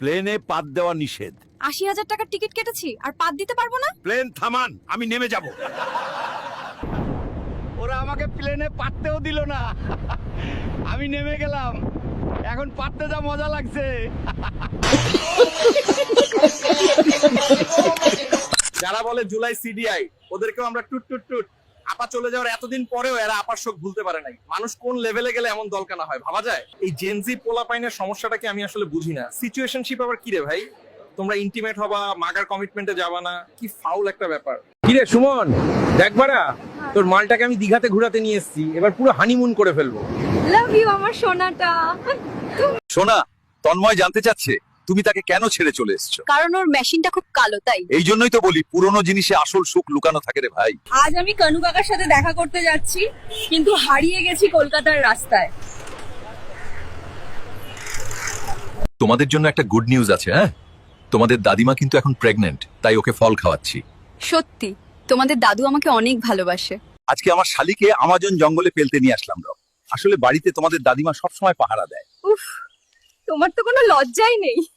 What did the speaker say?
প্লেনে পাত দেওয়া নিষেধ। ৮০,০০০ টাকার টিকিট কেটেছি আর পাত দিতে পারবো না? প্লেন থামান, আমি নেমে যাব। ওরা আমাকে প্লেনে পাততেও দিল না, আমি নেমে গেলাম। এখন পাততে যা মজা লাগছে। যারা বলে জুলাই সিডিআই, ওদেরকেও আমরা টুট টুট টুট। আপা চলে যাওয়ার এতদিন পরেও এরা আপার শোক ভুলতে পারে নাই। মানুষ কোন লেভেলে গেলে এমন দলকানা হয় ভাবা যায়? এই জেনজি পোলাপাইনের সমস্যাটাকে আমি আসলে বুঝি না। সিচুয়েশনশিপ আবার কি রে ভাই? তোমরা ইন্টিমেট হবা, মাগার কমিটমেন্টে যাবা না, কি ফাউল একটা ব্যাপার। কি রে সুমন, দেখবারা তোর মালটাকে আমি দিঘাতে ঘোরাতে নিয়ে এসেছি, এবার পুরো হানিমুন করে ফেলবো। লাভ ইউ আমার সোনাটা। সোনা, তন্ময় জানতে চাচ্ছে তুমি তাকে কেন ছেড়ে চলে এসছো। কারণ ওর মেশিনটা খুব কালো তাই। এই জন্যই তো বলি পুরনো জিনিসে আসল সুখ লুকানো থাকে রে ভাই। আজ আমি কানু কাকার সাথে দেখা করতে যাচ্ছি, কিন্তু হারিয়ে গেছি কলকাতার রাস্তায়। তোমাদের জন্য একটা গুড নিউজ আছে। হ্যাঁ, তোমাদের দাদিমা কিন্তু এখন প্রেগন্যান্ট, তাই ওকে ফল খাওয়াচ্ছি। সত্যি তোমাদের দাদু আমাকে অনেক ভালোবাসে। আজকে আমার শালিকে আমাজন জঙ্গলে ফেলতে নিয়ে আসলাম। আসলে বাড়িতে তোমাদের দাদিমা সবসময় পাহারা দেয়। উফ, তোমার তো কোনো লজ্জাই নেই।